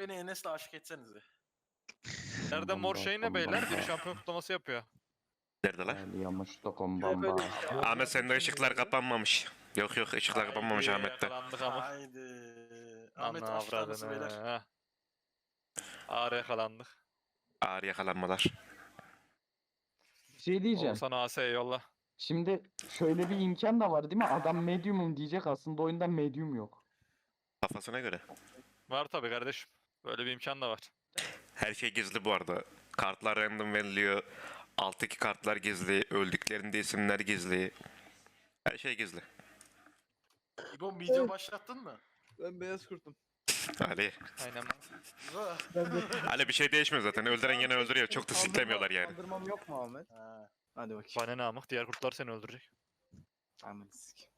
Beni Enes'le aşık etsenize. Nerede mor şey ne beyler? Biri şampiyon kutlaması yapıyor. Nerede lan? Yamışta kombamba. Ahmet sende ışıklar kapanmamış. Yok ışıklar kapanmamış Haydi, Ahmet'te. Yakalandık ama. Haydi. Ahmet Anla aşk tanrısı avradını. beyler. Ha. Ağır yakalandık. Ağır yakalanmalar. Bir şey diyeceğim. Oğuzhan AS'ye yolla. Şimdi şöyle bir imkan da var değil mi? Adam medium'um diyecek, aslında oyunda medium yok. Kafasına göre. Var tabi kardeşim. Böyle bir imkan da var. Her şey gizli bu arada. Kartlar random veriliyor. Alttaki kartlar gizli. Öldüklerinde isimler gizli. Her şey gizli. İbo video başlattın mı? Ben beyaz kurtum. Ali. Aynen. Ali bir şey değişmiyor zaten. Öldüren yine öldürüyor. Çok da siklemiyorlar yani. Kaldırmam yok mu Ahmet? Ha. Hadi bakayım. Bana ne amık? Diğer kurtlar seni öldürecek. Ahmet sik.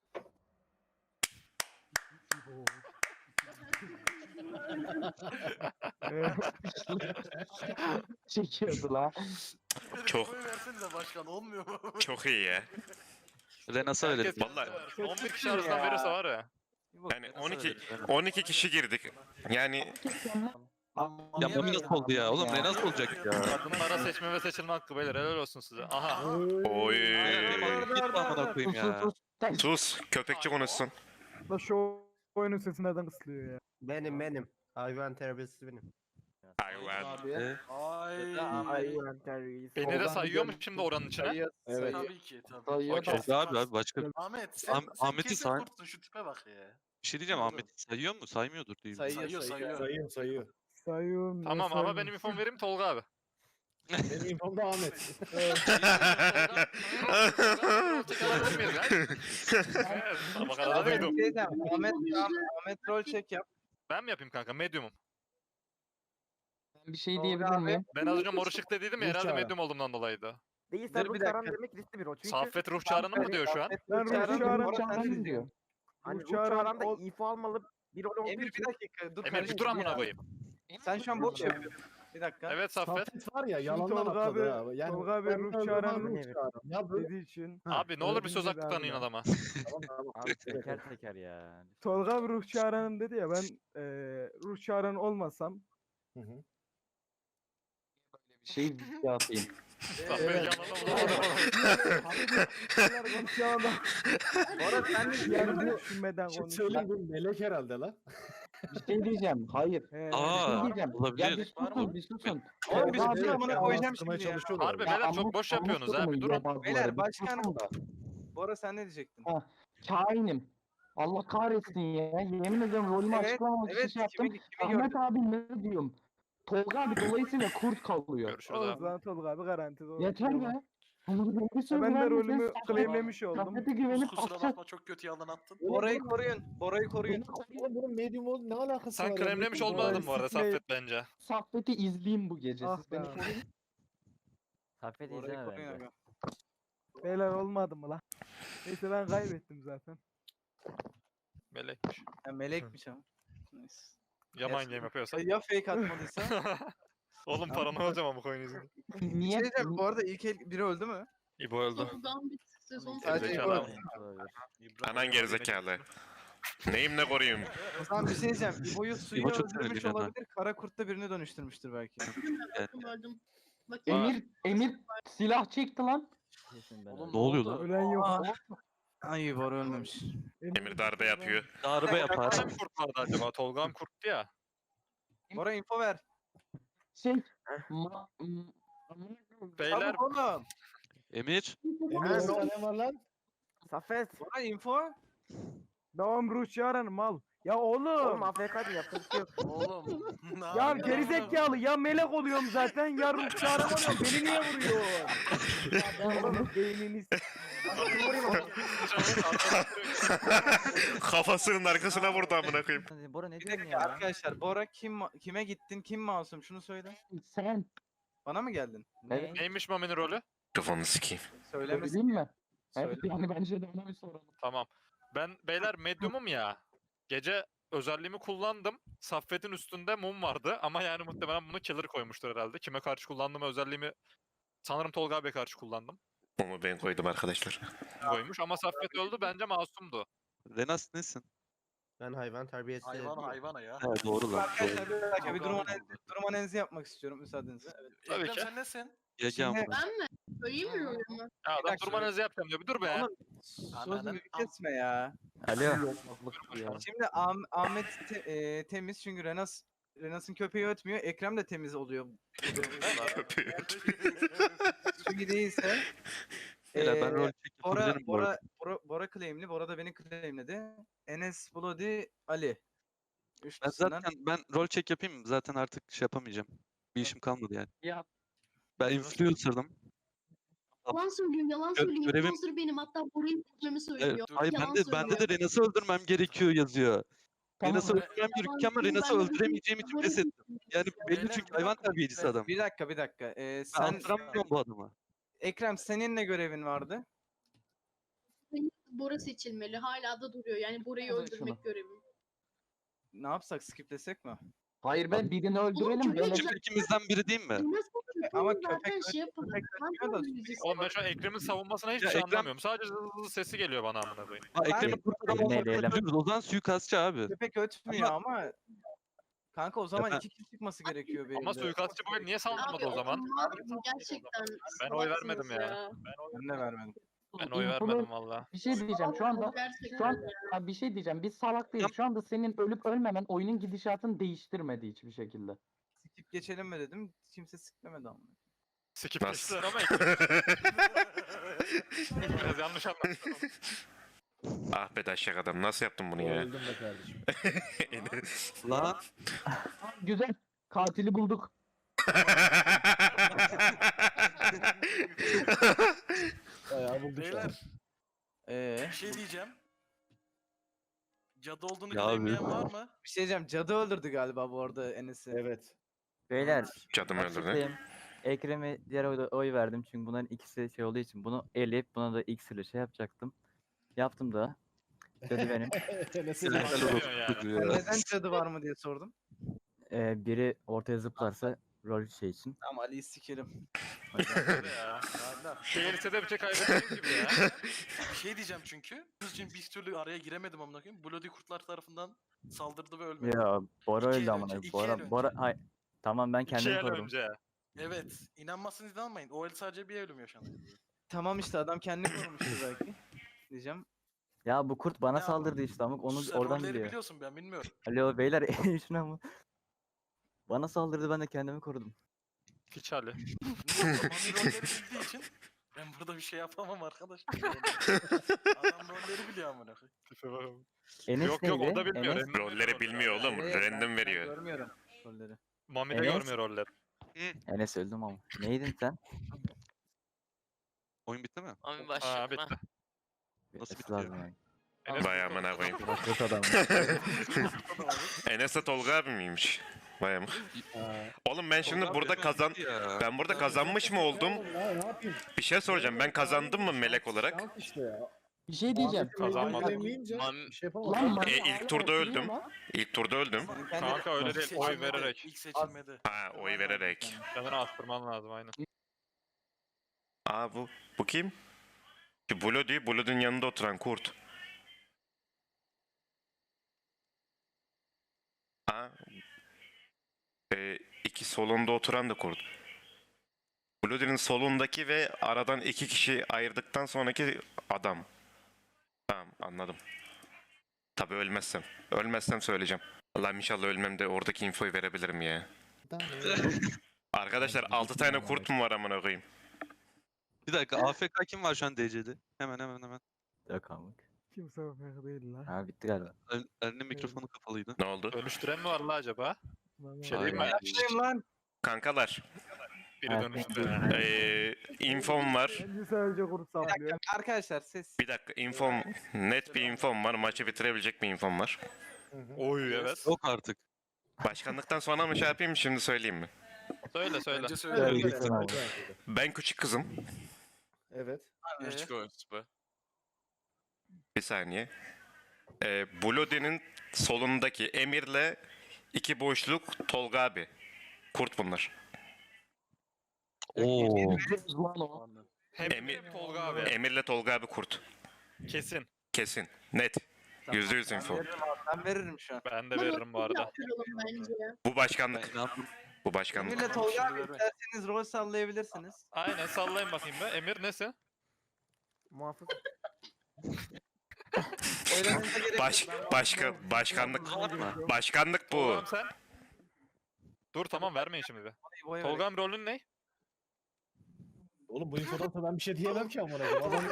Çekiyordu la. Çok- Koy versenize başkan, olmuyor mu? Çok iyi ya. Renas'a Herkes veririz. Vallahi 11 kişi arasından verirse var ya. yani 12 kişi girdik. Yani Ya bu nasıl oldu ya? Oğlum Ya. Renas olacak ya. Kadınlara seçme ve seçilme hakkı beyler. Helal olsun size. Aha. oy. Git amına koyayım ya. Sus. Köpekçi konuşsun. Da şu oyunun sesi neden kısılıyor ya? Benim. Hayvan terbiyesi benim. Hayvan. Ay. Hayvan terbiyesi. Beni de sayıyor mu şimdi oranın içine? Evet. Tabii ki tabii. Sayıyor Okey. da. Abi başka bir Ahmet sen Ahmet'i kesin say. kurtsun, şu tipe bak ya. şey diyeceğim. Ahmet sayıyor mu? Saymıyordur değil mi? Sayıyor. Sayıyor. Sayıyorum. Tamam ama benim infom vereyim Tolga abi. Benim infom da Ahmet. Bak arada Abi duydum. bir şey diyeceğim. Ahmet rol check yap. Ben mi yapayım kanka? Medium'um. Ben bir şey Tolga diyebilir abi. miyim? Ben az önce mor ışık dediydim ya Ruh herhalde çağrı. medium olduğumdan dolayıydı. Değilse Dur ruh bir çağıran dakika. demek riskli bir rol. Çünkü Saffet ruh çağrının mı diyor şu an? Ben ruh çağıran sen diyor. hani ruh ruh çağıran çağıran da ol- info almalı bir rol olduğu Emir için. bir dakika. Dur Emir bir kardeşim dur amına ya. koyayım. Sen şu an boş yapıyorsun. Bir dakika. Evet Saffet. Saffet var ya Şimdi yalandan Tolga atladı abi, ha. Yani Tolga abi ben ruh öyle çağıran olmam ruh yani. çağıran Ya böyle dediği için. Abi ne olur bir söz hakkı Öyle tanıyın abi. adama. Abi Teker teker ya. Tolga abi ruh çağıranım dedi ya, ben ruh çağıran olmasam Hı hı. Bir şey video atayım. Saffet yanına Bunlar konuşamadan Orada sen de yani düşünmeden Şimdi konuş. söyleyeyim bu melek herhalde la. Bir şey diyeceğim. Hayır. He. Bir Aa, şey diyeceğim. Ya olabilir. bir susun, bir susun. Oğlum bir Tolga susun abi- amına koyacağım şimdi ya. çalışıyorlar. Harbi Ya beyler amuk- çok boş amuk yapıyorsunuz ha bir durumu durun. yobazları, Beyler, bir başkan- susun da. Bora sen ne diyecektin? Kainim. Allah kahretsin ya. Yemin ediyorum rolümü Evet, açıklamamak için Evet şey yaptım. kimi gördün? Ahmet abi ne diyorum? Tolga abi dolayısıyla kurt kalıyor. Görüşürüz O abi. zaman Tolga abi garanti. Yeter be. Ben de rolümü claimlemiş oldum. Saffet'e güvenip Kusura atacak. bakma, çok kötü yalan attın. Bora'yı koruyun. Bora'yı koruyun. Bunun medium ol ne alakası var? Sen ya? kremlemiş Medium olmadın bu arada Sikmeyin. Saffet bence. Saffet'i izleyeyim bu gece. Ah Siz beni be. koruyun. Saffet Bora'yı izleme koruyun bence. abi. Beyler olmadı mı lan? Neyse ben kaybettim zaten. Melekmiş. Ya melekmiş ama. Neyse. Ya mind game yapıyorsa. Ya fake atmadıysa? Oğlum paranı alacağım ama coin yüzünden. Bir Niye? şey diyeceğim, bu arada ilk el biri öldü mü? İbo öldü. Oradan bir sezon Sadece Gerizekalı İbo abi. öldü. Anan gerizekalı. Neyim ne koruyayım? O zaman bir şey diyeceğim. İbo'yu suyu İbo çok öldürmüş sinirli ya. olabilir. Kara kurtta birini dönüştürmüştür belki. verdim. Bakayım. Emir silah çekti lan. Kesin ben Oğlum, Ne oluyor lan? Ölen yok. Aa. Ay Bora ölmemiş. Emir darbe yapıyor. Darbe yapar. Kaç kurt vardı acaba? Tolga'm kurttu ya. Bora info ver. Şey. ma- m- Beyler Çabuk oğlum. Emir. Emir orada ne var lan? Saffet. Bora info. Devam ruh çağıran mal. Ya Oğlum oğlum. AFK diyor, yapacak bir şey yok. Oğlum. ne Ya yapıyorsun? gerizekalı ya melek oluyorum zaten ya ruh çağıran oluyorum. Beni niye vuruyor? Oğlum beynini Kafasının arkasına vurdu amına koyayım. Bora ne Bir diyorsun dakika ya? arkadaşlar. Bora kime gittin? Kim masum? Şunu söyle. Sen. Bana mı geldin? Evet. neymiş Mami'nin rolü? Kafanı sikeyim. Söylemesin. Söyleyeyim mi? Evet Söyle. yani bence de ona bir soralım. Tamam. Ben beyler medium'um ya. Gece özelliğimi kullandım. Saffet'in üstünde mum vardı ama yani muhtemelen bunu killer koymuştur herhalde. Kime karşı kullandığım özelliğimi sanırım Tolga abiye karşı kullandım. Onu ben koydum arkadaşlar. Koymuş ama Saffet öldü bence masumdu. Renas nesin? Ben hayvan terbiyesi Hayvan yapıyorum. hayvana ya. He doğru lan. Arkadaşlar bir dakika bir Kavga oldu. durum analizi yapmak istiyorum müsaadenizle. Evet. Tabii Ekrem ki. sen nesin? Yege Şimdi- amına. Ben mi? Söyleyeyim mi yorumu? Ya adam dakika. durma analizi yapacağım diyor. Bir dur be. Oğlum sözümü kesme ya. Alo. Şimdi Ahmet temiz çünkü Renas'ın köpeği ötmüyor. Ekrem de temiz oluyor. bu durumda. Çünkü değilse Beyler ben rol çek Bora, yapabilirim bu arada. Bora claimli. Bora da beni claimledi. Enes, Bloody, Ali. Ben Üçlüsünden. zaten rol check yapayım mı? Zaten artık şey yapamayacağım. Bir işim kalmadı yani. Yap. Ben influencer'dım. Yalan söylüyor, yalan Gö- söylüyor. görevim- Influencer benim. Hatta Bora'yı seçmemi Evet, söylüyor. hayır Yalan bende de söylüyor. Renas'ı öldürmem gerekiyor yazıyor. Tamam. Renas'ı öldürmem gerekiyor ama söylüyor, Renas'ı ben de öldüremeyeceğim için Bora'yı pes ettim. Yani belli Beyler, çünkü bir hayvan dakika. terbiyecisi adam. Bir dakika. Ben Sen attıramıyorum bu adamı. Ekrem senin ne görevin vardı? Bora seçilmeli. Hala da duruyor. Yani Bora'yı Evet, öldürmek şunu. görevim. Ne yapsak skiplesek mi? Hayır ben birini öldürelim. köpek Böyle Çünkü ikimizden biri değil mi? Nasıl Ama zaten köpek- şey yapalım. köpek Ben ötmüyor da- öldüreceğiz. Oğlum ben şu an Ekrem'in savunmasına hiçbir Ya şey Ekrem- anlamıyorum. Sadece zızı sesi geliyor bana amına koyayım. Ha, Ekrem'i kurtaramam. Eleyelim. O zaman suikastçı abi. Köpek ötmüyor ama kanka o zaman ben- 2 kişi çıkması gerekiyor benim Ama de. suikastçı bu el niye saldırmadı o zaman? Gerçekten. Ben oy salaksınız vermedim ya. Ben de vermedim. Ben oy vermedim valla. bir şey diyeceğim şu anda. Gerçekten. Şu an ya bir şey diyeceğim. Biz salak değiliz. Şu anda senin ölüp ölmemen oyunun gidişatını değiştirmedi hiçbir şekilde. Skip geçelim mi dedim. Kimse skiplemedi ama. Skip Nasıl? geçtiler ama Ekrem biraz yanlış anlamışlar. Ah be daşak adam nasıl yaptın bunu ya? Öldüm be kardeşim. Lan Güzel. Katili bulduk. Bayağı bulduk şu an. Beyler bir şey diyeceğim. Cadı olduğunu Ya claimleyen abi. var mı? Bir şey diyeceğim. Cadı öldürdü galiba bu arada Enes'i. Evet. Beyler. Cadım öldürdü. açıklayayım. Ekrem'e diğer oy verdim çünkü bunların ikisi şey olduğu için bunu eleyip buna da X ile şey yapacaktım. Yaptım da. Cadı benim. Enes'e helal bak. Helal olsun yani. çocuğu Ben ya. neden cadı var mı diye sordum. Biri ortaya zıplarsa rol şey için. Tamam Ali'yi sikerim. Hadi ya. Şehir lisede bir şey kaybettiğim gibi ya. Bir şey diyeceğim çünkü. Kızcığım bir türlü araya giremedim amına koyayım. Bloody kurtlar tarafından saldırdı ve ölmedi. Ya Bora İki öldü el amına. önce, iki el önce. Bora hay. Tamam ben İki kendimi el korudum. önce. Evet. İnanmazsınız inanmayın. O el sadece bir ölüm yaşandı. Tamam işte adam kendini korumuştu belki. Diyeceğim. Ya bu kurt bana Ne saldırdı işte amık onu Sen oradan rolleri biliyor. biliyorsun ben bilmiyorum. Alo beyler şuna mı? Bana saldırdı ben de kendimi korudum. Hiç hali. Mami rolleri bildiği için ben burada bir şey yapamam arkadaş. Adam rolleri biliyor amına koyayım. Enes Yok yok o neydi? da bilmiyor. Enes, random Rolleri veriyor bilmiyor oğlum. Evet, Random ben veriyor. görmüyorum rolleri. Mami de Enes. görmüyor rolleri. Enes öldüm ama. Neydin sen? Oyun bitti mi? Abi Ha başladım bitti. ha. Nasıl Bitmesi bitiyor? lazım yani. Enes Vay bitti, amına o koyayım. zaman. Bakıyoruz adam. Enes de Tolga abi miymiş? Vay am. Ha. Oğlum ben şimdi Tolga burada abi kazan... bitti ya. Ben burada kazanmış mı oldum? Ne yapayım? Bir şey soracağım. Ben kazandım mı melek olarak? Şans işte ya. Bir şey diyeceğim. Kazanmadım. Bilemeyince Mam- bir şey yapamadım. Lan Mami ilk hala turda oturuyor öldüm. lan. İlk turda öldüm. Senin kendi- Kanka öyle İlk değil. Oy seçilmedi, vererek. İlk seçilmedi. Ha oy vererek. Kendini astırman lazım aynen. Aa bu kim? Şu Bloody, Bloody'nin yanında oturan kurt. Aa. İki solunda oturan da kurt. Bloody'nin solundaki ve aradan iki kişi ayırdıktan sonraki adam. Tamam anladım. Tabii ölmezsem. Ölmezsem söyleyeceğim. Allah'ım inşallah ölmem de oradaki infoyu verebilirim ya. Arkadaşlar 6 tane kurt mu var amına koyayım? Bir dakika AFK kim var şu an DC'de? Hemen. Yok amık. Kimse yok değil lan. Ha bitti galiba. Elinin mikrofonu kapalıydı. Ne oldu? Dönüştüren mi var la acaba? Bir şey diyeyim mi? Aynen. Başlayayım lan. Kankalar, Biri Evet. dönüştü. infom var. Bence sadece kurt Bir dakika saplıyor. arkadaşlar ses. Bir dakika infom, net bir infom var. Maçı bitirebilecek bir infom var. Oy evet. Yok artık. Başkanlıktan sonra mı şey yapayım şimdi söyleyeyim mi? Söyle söyle. Bence Evet, söyle. gitsin abi. Ben küçük kızım. Evet. Bir saniye. Bloody'nin solundaki Emir'le iki boşluk Tolga abi. Kurt bunlar. Oo. Lan o. Hem Emir- Tolga abi. Emir'le Tolga abi kurt. Kesin. Kesin. Net. %100 Ben info. veririm abi, ben veririm şu an. Ben de veririm bu arada. Yaptıralım bence. Bu Ben başkanlık. inandım. Bu başkanlık. Emir'le Tolga abi Şimdi ver. isterseniz rol sallayabilirsiniz. Aynen sallayın bakayım be. Emir nesin? Muhafız. Oylamanıza gerek Baş, yok. başkanlık. Yapma. Başkanlık bu. Tolga'm sen. Dur tamam vermeyin şimdi bir. Boya Tolga'm rolün ne? Oğlum bu infodan sonra ben bir şey diyemem ki amına koyayım. Adam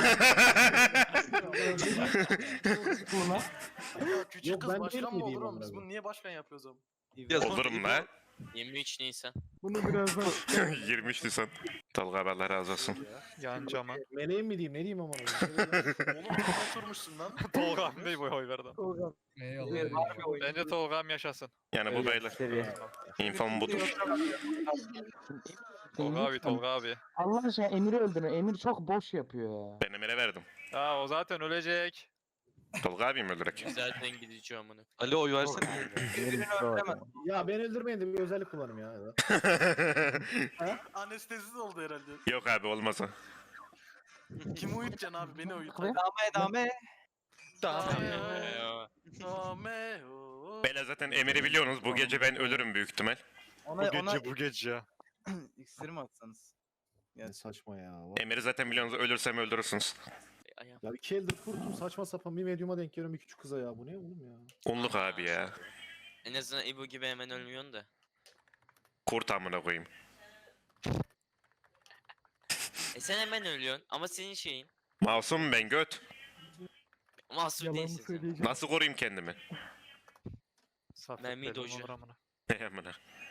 Buna. Ya küçük Yok, kız ben başkan değil mı olur miydim oğlum? amına Biz koyayım? bunu niye başkan yapıyoruz oğlum? Ya sonra Olurum la. 23 Nisan. Bunu birazdan 23 Nisan. Tolga abi Allah razı olsun. Yan cama. meleğim mi diyeyim ne diyeyim amına koyayım. Oğlum kime oturmuşsun lan? Tolga'm değil bu oy verdim. Tolga. Emir var bir oyun. Bence Tolga'm yaşasın. Yani bu beyler. Seviye. İnfom budur. Tolga abi, Tolga abi. Allah aşkına Emir'i öldürün. Emir çok boş yapıyor ya. Ben Emir'e verdim. Ya o zaten ölecek. Tolga abim öldürek. Zaten gidici amına. Ali oy versene. Birini öldüremez. Ya ben öldürmeyin de bir özellik kullanayım ya. Anestezisiz oldu herhalde. Yok abi olmaz o. Kimi uyutacaksın abi? Beni uyut. Abi. Dame. Dame. Beyler zaten Emir'i biliyorsunuz. Bu gece ben ölürüm büyük ihtimal. Ona Bu gece. iksir mi atsanız? Ne saçma ya. Emir'i zaten biliyorsunuz. Ölürsem öldürürsünüz. Ayağım. Ya 2 eldir kurtum saçma sapan bir medyuma denk geliyorum bir küçük kıza ya. Bu ne oğlum ya? Unluk abi ya. En azından İbo gibi hemen ölmüyorsun da. Kurt amına koyayım. Sen hemen ölüyorsun ama senin şeyin. Masum ben göt. Masum yalan değilsin sen. söyleyeceğim. Nasıl koruyayım kendimi? Mermi doju. amına. Ne amına.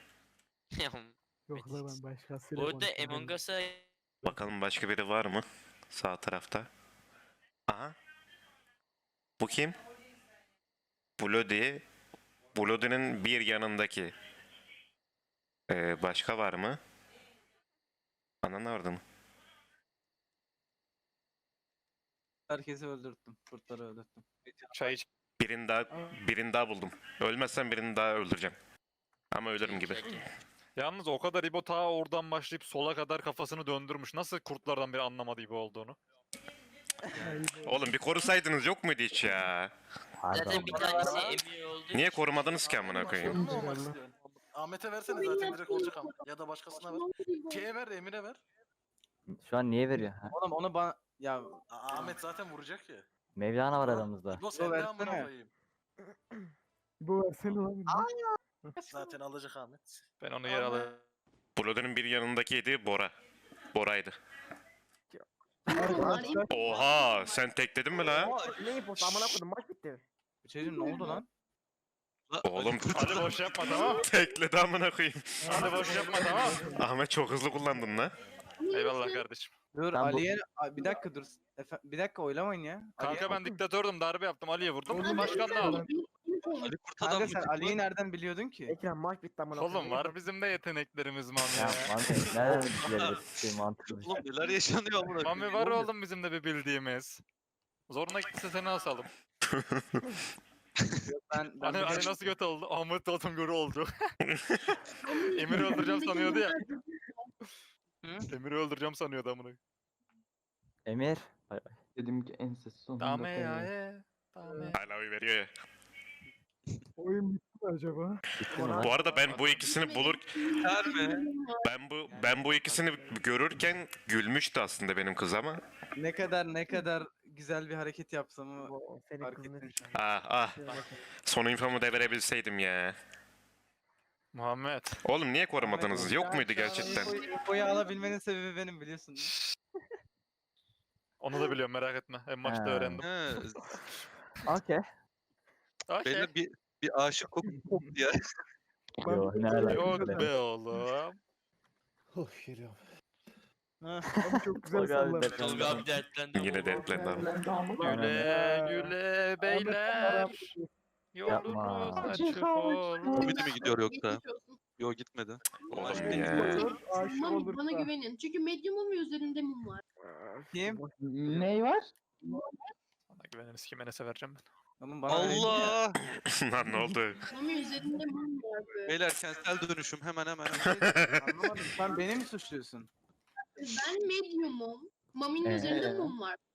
Yok la ben başkasıyla Bu arada konuşuyorum. Among Us'a Bakalım başka biri var mı? Sağ tarafta. Aha. Bu kim? Bloody. Bloody'nin bir yanındaki. Başka var mı? Ananı vardı mı? herkesi öldürttüm. Kurtları öldürttüm. Çay iç. Birini daha buldum. Ölmezsem birini daha öldüreceğim. Ama ölürüm gibi. Yalnız o kadar İbo ta oradan başlayıp sola kadar kafasını döndürmüş. Nasıl kurtlardan biri anlamadı İbo olduğunu? Oğlum bir korusaydınız yok muydu hiç ya? zaten bir tanesi Emir oldu. Niye korumadınız ki amına koyayım? Başkan mı olmak istiyorsun? Ahmet'e versene zaten direkt olacak ama. Ya da başkasına ver. Şeye ver, Emir'e ver. Şu an niye veriyor? Ha? Oğlum onu bana ya Ahmet zaten vuracak ya. Mevlana var aramızda. Bu sen de versene. amına koyayım. Bu versene lan. Zaten alacak Ahmet. Ben onu yer alayım. Bloody'nin bir yanındakiydi Bora. Bora'ydı. Arkadaşlar. Oha sen tekledin mi la? Ne yapıyorsun? Amına koydum maç bitti. Şeycim ne oldu lan? Oğlum Hadi boş yapma tamam. tekledi amına koyayım. Hadi boş yapma tamam. Ahmet çok hızlı kullandın la. Eyvallah kardeşim. Dur Ben bu- Ali'ye bir dakika dur. bir dakika oylamayın ya. Kanka ben diktatördüm darbe yaptım Ali'ye vurdum. Oğlum, Başkanlığı aldım. Ali kurt Kanka adam sen mı? Ali'yi nereden biliyordun ki? Ekrem maç bitti amına Oğlum var bizim de yeteneklerimiz Mami Ya ya. mantıklı. Nereden bilebilir? Şey mantıklı bir şey. Oğlum neler yaşanıyor amına koyayım. Mami var oğlum bizim de bir bildiğimiz. Zoruna gitse seni asalım. Ben Hani biliyorum. nasıl kötü oldu? Ahmet Tatım görü oldu. Emir'i öldüreceğim sanıyordu ya. Emir'i öldüreceğim sanıyordu amına. Emir. Dedim ki en ses sonunda Dame ya koyayım. Dame. Hala oy veriyor ya. Oyun bitti mi acaba? Bitti mi lan? Bu arada ben bu ikisini bulur Yeter mi? ben bu ikisini görürken gülmüştü aslında benim kız ama. Ne kadar güzel bir hareket yapsamı Senin fark kızını ettim şu an. Ah. Son infomu da verebilseydim ya. Muhammed. Oğlum niye korumadınız? Yok muydu gerçekten? Infoyu alabilmenin sebebi benim biliyorsun. değil mi? Onu da biliyorum merak etme. En maçta Ha. öğrendim. He, Okey. Okey. beyler bir aşık koptu ya. Yo ne alaka? Yok be oğlum. Oh geliyorum. Abi çok güzel Tolga abi sallar. dertlendi. Tolga abi dertlendi. Yine dertlendi abi. Ben daha mı? Güle güle beyler. Yolunuz Yapma. açık olsun. Komedi mi gidiyor yoksa? Geçmiş olsun. Yok gitmedi. Oğlum Değil. ya. Aşık Mami olursa. bana güvenin. Çünkü medyumum ve üzerinde mum var. Kim? Ney var? Bana güveniniz kime ne severeceğim ben. Oğlum bana öyle değil ya. Allah! Lan ne oldu? Mami üzerinde mum var böyle. Beyler kentsel dönüşüm hemen. Anlamadım. Sen beni mi suçluyorsun? Ben medyumum. Mami'nin üzerinde mum var.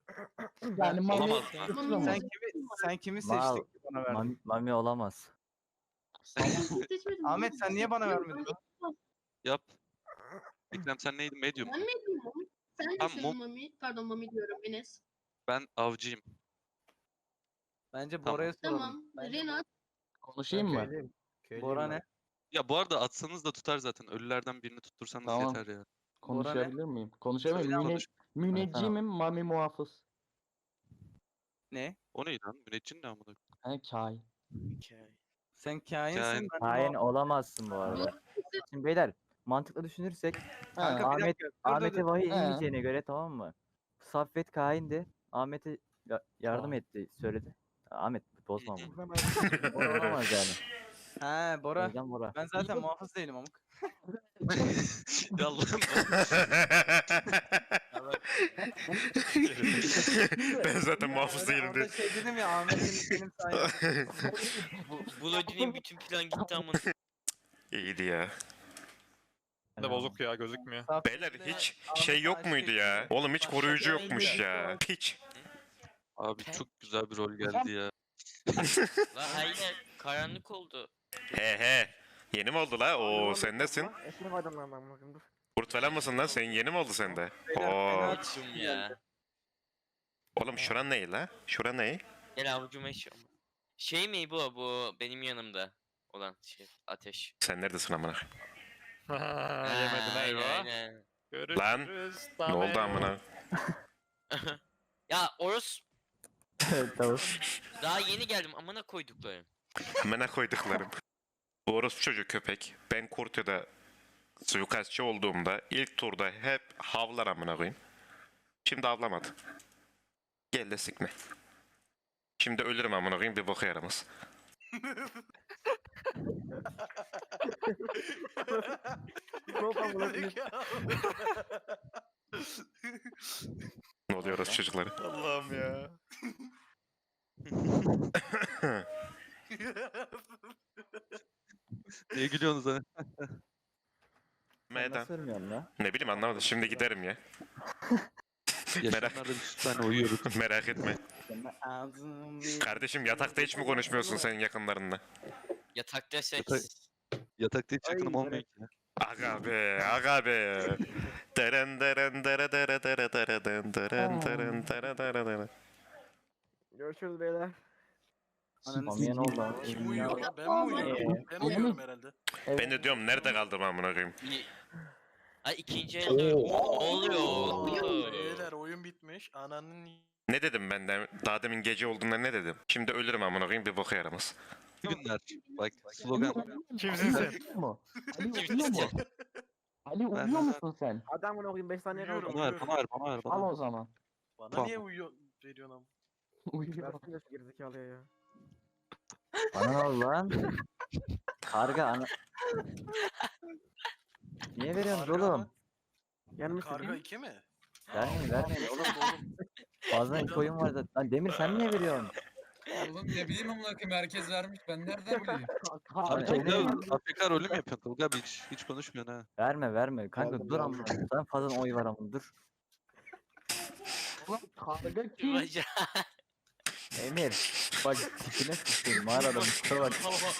Yani Mami Olamaz ya. suçlu mu? Sen kimi Mal. seçtin ki bana verdin? Mami olamaz. Seçmedim. Ahmet, sen niye bana vermedin? Yap. Ekrem sen neydin? Medium. Ben medyumum. Sen Tamam, misin Mami? Pardon Mami diyorum Enes. Ben avcıyım. Bence Tamam. Bora'ya soralım. Tamam. Bence Renat. Konuşayım mı? Bora ne? Ya bu arada atsanız da tutar zaten. Ölülerden birini tuttursanız Tamam. yeter ya. Konuşabilir miyim? Konuşabilir Söyle miyim? konuş. Müneccimim, Mami muhafız. Ne? O neydi lan? Müneccin ne amına? He kain. Sen kainsin. Kain. ben Hain muhafız. olamazsın bu arada. Şimdi beyler mantıklı düşünürsek Kanka bir Ahmet dakika. Dur, dur, Ahmet'e dur. vahiy He. inmeyeceğine göre tamam mı? Saffet kaindi. Ahmet'e yardım Tamam. etti söyledi. Ahmet bozma bunu. Bora olamaz yani. He O Bora. yüzden Bora. Ben zaten muhafız değilim amık. Ya Allah'ım. Ben zaten muhafız değilim Orada diye. şey dedim ya Ahmet'in benim sayemde. Bu Lodi'nin bütün plan gitti ama. İyiydi ya. Ne bozuk ya gözükmüyor. Beyler hiç şey yok muydu ya? Oğlum hiç koruyucu yokmuş ya. Hiç. Abi çok güzel bir rol geldi ya. Lan hayır karanlık oldu. He he. Yeni mi oldu la? Oo sen nesin? Eşini koydum lan ben bakayım dur. Kurt falan mısın lan? Senin yeni mi oldu sende? Beyler, Oo. fena- Açım ya. Oğlum şuran ne la? Şura ne? Gel avucuma işiyorum. Şey mi bu benim yanımda olan şey ateş. Sen neredesin amına? Yemedin Aynen, eyvah. aynen. Görüşürüz. Ne oldu amına? Ya Oros Tamam. daha yeni geldim amına koyduklarım. Amına koyduklarım. Bu orospu çocuk köpek. Ben Kurtu'da suikastçı olduğumda ilk turda hep havlar amına koyayım. Şimdi avlamadı. Gel de sikme. Şimdi ölürüm amına koyayım bir boka yaramaz. Ne oluyor orospu çocukları? Allah'ım ya. Niye gülüyorsunuz ha? Meydan. Nasıl ölmüyorsun la? Ne bileyim anlamadım. Şimdi giderim ya. Yaşamlarda bir tane uyuyoruz. Merak etme. Ağzım bir- Kardeşim yatakta hiç mi konuşmuyorsun senin yakınlarınla? Yatakta seks. Yatak- Yatakta hiç yakınım olmuyor ki. ya. Aga be, aga be. Deren deren dere dere dere dere den deren deren dere dere dere. Görüşürüz beyler. Mami'ye ne oldu? abi? Kim uyuyor lan? Ben mi uyuyorum? Ben uyuyorum herhalde. Ben de diyorum nerede kaldım amına koyayım. Ay ikinci elde ne oluyor? oğlum? Beyler oyun bitmiş. Ananın Ne dedim ben de daha demin gece olduğunda ne dedim? Şimdi ölürüm amına koyayım bir boka yaramaz. İyi günler. Bak slogan. Kimsin sen? Uyuyor mu? Ali Kimsin uyuyor mu? sen? Ali uyuyor musun sen? Adam bunu okuyayım 5 saniye kaldı. Uyuyorum. Bana ver, bana ver, bana ver. Al Bana ver. o zaman. bana Tamam. niye uyuyor veriyorsun ama? Uyuyor. Versin de şu gerizekalıya ya. Bana ne oldu lan? Karga ana... Niye veriyorsunuz Karga oğlum? mı? Gelmişsin Karga değil 2 mi? Vermeyin vermeyin oğlum. Oğlum. Fazla iki oyun var zaten. Lan Demir sen niye veriyorsun? Oğlum ne bileyim amına koyayım herkes vermiş ben nereden bileyim? Abi Karga Tolga AFK rolü mü yapıyorsun Tolga abi hiç konuşmuyorsun ha. Verme verme. Kanka Verdim, dur verdim. ama. Sen fazla oy var ama dur. Karga kim? Baca- Emir. Bak tipine sıçtın mağarada Mustafa bak.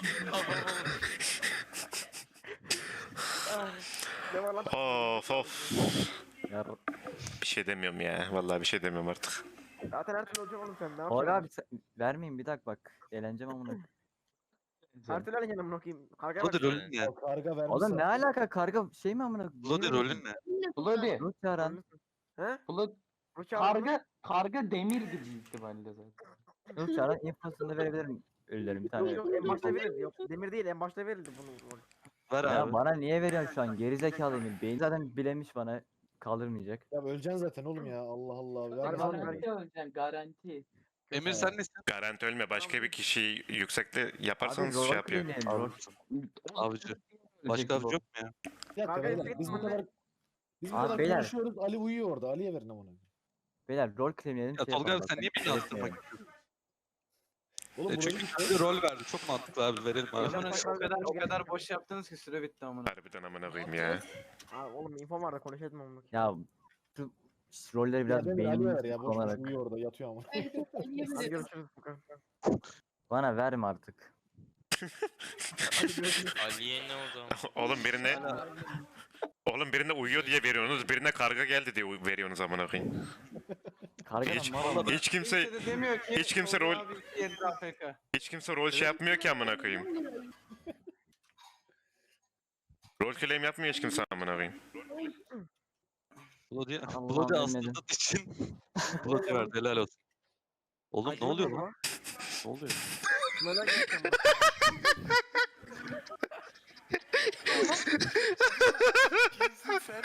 Ne var lan? Of of. Ya, Bir şey demiyorum ya. Vallahi bir şey demiyorum artık. Zaten her türlü olacak oğlum sen. Ne Tolga yapacaksın? abi vermeyin bir dakika bak. Eğleneceğim amına. Her türlü alacaksın amına okuyayım. Kargaya Bloody bak. rolün ne? Karga vermiş. Oğlum ne alaka karga şey mi amına? Bloody rolün ne? Bloody. Ruh çağıran. He? Bloody. Ruç aldın mı? Karga demirdi büyük ihtimalle zaten. Ruh çağıran infosunu verebilirim. Ölülerim bir tane. Yok en başta verildi. Yok demir değil en başta verildi bunu. Ver Ya abi. bana niye veriyorsun şu an? Gerizekalı Emir. Beyin zaten bilemiş bana. Kaldırmayacak. Ya öleceksin zaten oğlum ya. Allah Allah. Hadi Ver oğlum, bana. ver. öleceksin garanti. Emir sen nesin? Garanti ölme. Başka bir kişiyi yüksekte Abi yaparsanız rol şey yapıyor. oynayın, rol. Avcı. Başka avcı yok mu ya? Bir dakika Karga beyler. istek Biz bu mi? kadar biz bu Abi kadar beyler. konuşuyoruz. Ali uyuyor orada. Ali'ye verin amına. Beyler rol claimleyelim. Ya şey Tolga yapalım abi sen bak, niye beni şey attırmak yapmayalım. istiyorsun? Oğlum burayı Çünkü kendi rol verdi. Çok mantıklı abi verelim abi. Oğlum o kadar boş yaptınız ki süre bitti amına. Harbiden amına koyayım ya. Aa, oğlum info var da konuşalım amına. Ya rolleri biraz Ya Demir Ali'ye ver beynimi ya. Boş boş kullanarak. uyuyor orada yatıyor ama. Evet, evet, Hadi oynayabiliriz. görüşürüz Furkan. Bana verme artık. Hadi görüşürüz. Ali'ye ne oldu? Oğlum birine uyuyor diye veriyorsunuz, birine karga geldi diye veriyorsunuz amına koyayım. Kargadan Hiç, mal aldım. hiç kimse de demiyor ki hiç kimse Tolga rol- abi 2 AFK. hiç kimse rol şey yapmıyor ki amına koyayım. Rol claim yapmıyor hiç kimse amına koyayım. Bloody, Allah Bloody bilmedim. aslında için Bloody verdi helal olsun. Oğlum ne oluyor lan? Ne oluyor? Merak ettim. Kimsin sen?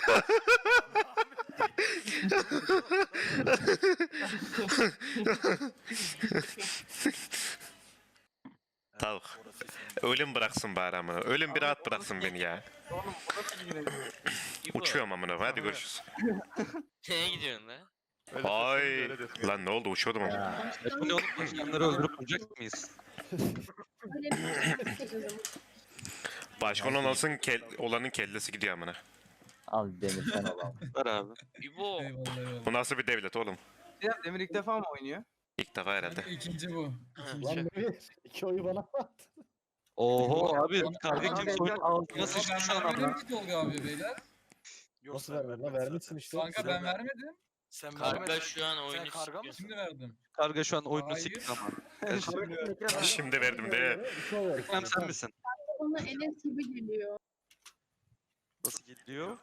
Tavuk. Ölüm bıraksın bari amına. Ölüm bir rahat bıraksın beni ya. Oğlum bu nasıl bir güneş? İbo, Uçuyorum amına. Hadi görüşürüz. Nereye gidiyorsun lan? Öyle Ay. seslenir, öyle diyorsun. Lan ne oldu uçuyordum ama. Ya, Bu ne oğlum? Başkanları öldürüp vuracak mıyız? Öyle bir şey yok. Başkan olanın kellesi gidiyor amına. al Demir sen al. Ver abi. İbo. Eyvallah eyvallah. Bu nasıl bir devlet oğlum? Ya Demir ilk defa mı oynuyor? İlk defa herhalde. Kanka ikinci bu. İkinci. Lan Demir. 2 oyu bana at. Oho abi karga Abi, kim soyun altına nasıl Ama sıçtı şu ben an vermedim ama? ki Tolga abi beyler. Yok, Nasıl sen vermedin lan? vermedin Vermişsin zaten. işte. Kanka ben vermedim. Sen Karga vermedin. şu an oyunu Sen karga sikiyor. mısın? Şimdi verdim. Karga şu an oyunu Hayır. sikti ama. Şimdi verdim de. 2 oy ver. Ekrem sen misin? Ona Enes gibi geliyor. Nasıl gidiyor?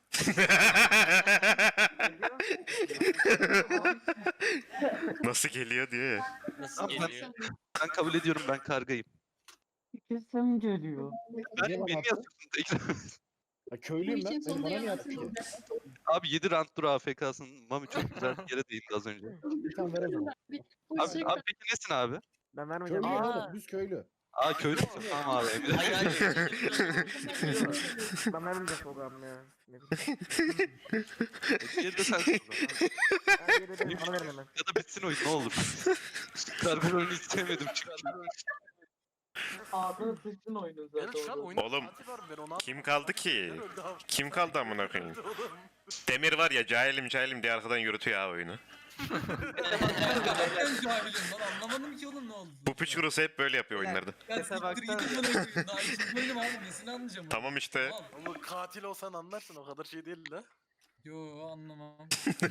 Nasıl geliyor diye. Nasıl Tamam, ben- geliyor? Ben kabul ediyorum ben kargayım. Kesim geliyor. Ben Niye bana beni attın? yazıyorsun da Ekrem. Ya köylüyüm ben. için Sen sonunda bana niye yalan attın ki? söyleyeceğim. Abi 7 round dur AFK'sın. Mami çok güzel bir yere değindi az önce. Bir tane ver o zaman. Abi peki nesin abi? Ben vermeyeceğim. Köylüyüm Aa. oğlum. Düz köylü. Aa köylü müsün? Tamam abi. Emre. Hayır hayır. Ben vermeyeceğim Tolga'm ya. Ne bileyim. Diğeri de sensin o zaman. Ben geri dedim, bana verin hemen. Ya da bitsin oyun ne olur. Karga rolünü istemedim çünkü. Ağzını sıçtın oyunun Evet zaten. şu an orada. oyunda Oğlum, saati var, ben onu Kim kaldı ki? Öldü abi. Kim kaldı amına koyayım? Öldü oğlum. Demir var ya cahilim diye arkadan yürütüyor ha oyunu. Nereden cahilim lan anlamadım ki oğlum ne oldu. Bu piç kurusu hep böyle yapıyor oyunlarda. Ya Mesela siktir gidin bana koyayım. Daha ikinci oyunum abi nesini anlayacağım. Tamam işte. Al. Oğlum katil olsan anlarsın, o kadar şey değil la. Yo anlamam.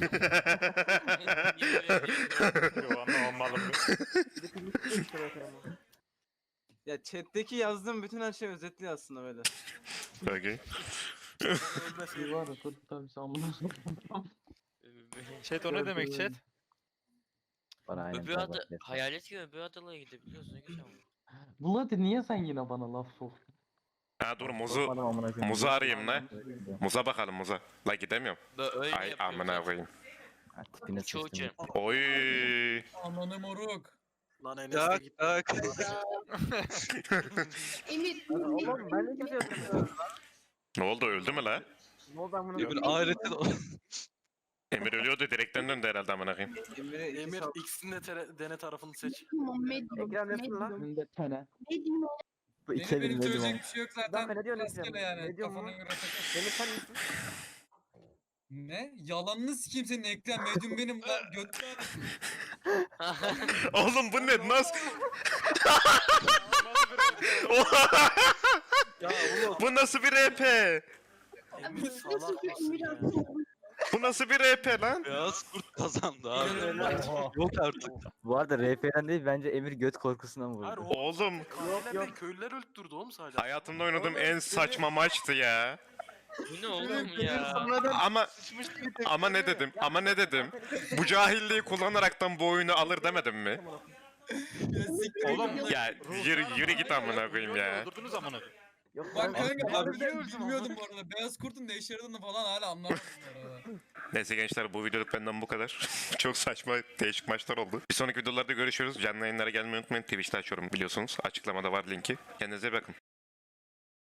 Yo, anlamam malum. Bir de filmi işte bakalım. Ya chat'teki yazdığım bütün her şey özetliyor aslında böyle. Okey. Ölmesin. Bir var ya dur tabii sen bunu. Chat o ne demek chat? Bana aynen. Öbür sen ada, bak. hayalet gibi öbür adalara gidebiliyoruz ne güzel oldu. Vlad niye sen yine bana laf soktun? Ha dur muzu Korkmadım amına koyayım. muzu arayayım lan. Muza bakalım muza. La gidemiyorum. Öyle Ay yapıyor amına zaten. koyayım. Ha, tipine Çoğu sıçtım. Oy. Ananı moruk. Lan Enes de Tak gitti. tak. Emir, Oğlum ben ne kimse yapıyorum. Ne oldu öldü mü la? Ne oldu amına Öbür koyayım? ahirette Emir ölüyordu direkten döndü herhalde amına koyayım. Emir'e iki Emir sal- ikisinin de dene tarafını seç. medium, Ekrem nesin lan? Önünde tene. medium. Bu Benim, iki benim elim söyleyecek dedim bir şey yok Bir dakika, zaten. ne diyorsun Rastgele Ekrem? yani. Ne diyorsun Kafana lan? göre takıl. Demir sen misin? Ne? Yalanını sikeyim senin Ekrem medium benim lan götür abi. Oğlum bu ne? Nasıl? Bu nasıl bir RP? Emir salak mısın ya? Bu nasıl bir RP lan? beyaz kurt kazandı abi. Oha. Yok artık. Bu arada RP'den değil bence Emir göt korkusundan Hayır, vurdu. Oğlum Köylüler yok. değil, köylüler öldürdü oğlum sadece. hayatımda oynadığım en saçma maçtı ya. Bu ne oğlum ya? Ama ne dedim? Ama ne dedim? Bu cahilliği kullanaraktan bu oyunu alır demedim mi? Ya siktir Oğlum, git lan. Ya yürü git amına koyayım ya. Öldürdünüz amına koyayım. Yok Bak ben kanka Abi, harbiden niye öldüm bilmiyordum bu arada. Beyaz kurtun ne işe yaradığını falan hala anlamadım bu arada. Neyse gençler bu videoluk benden bu kadar. Çok saçma değişik maçlar oldu. Bir sonraki videolarda görüşürüz. Canlı yayınlara gelmeyi unutmayın. Twitch'te açıyorum biliyorsunuz. Açıklamada var linki. Kendinize iyi bakın.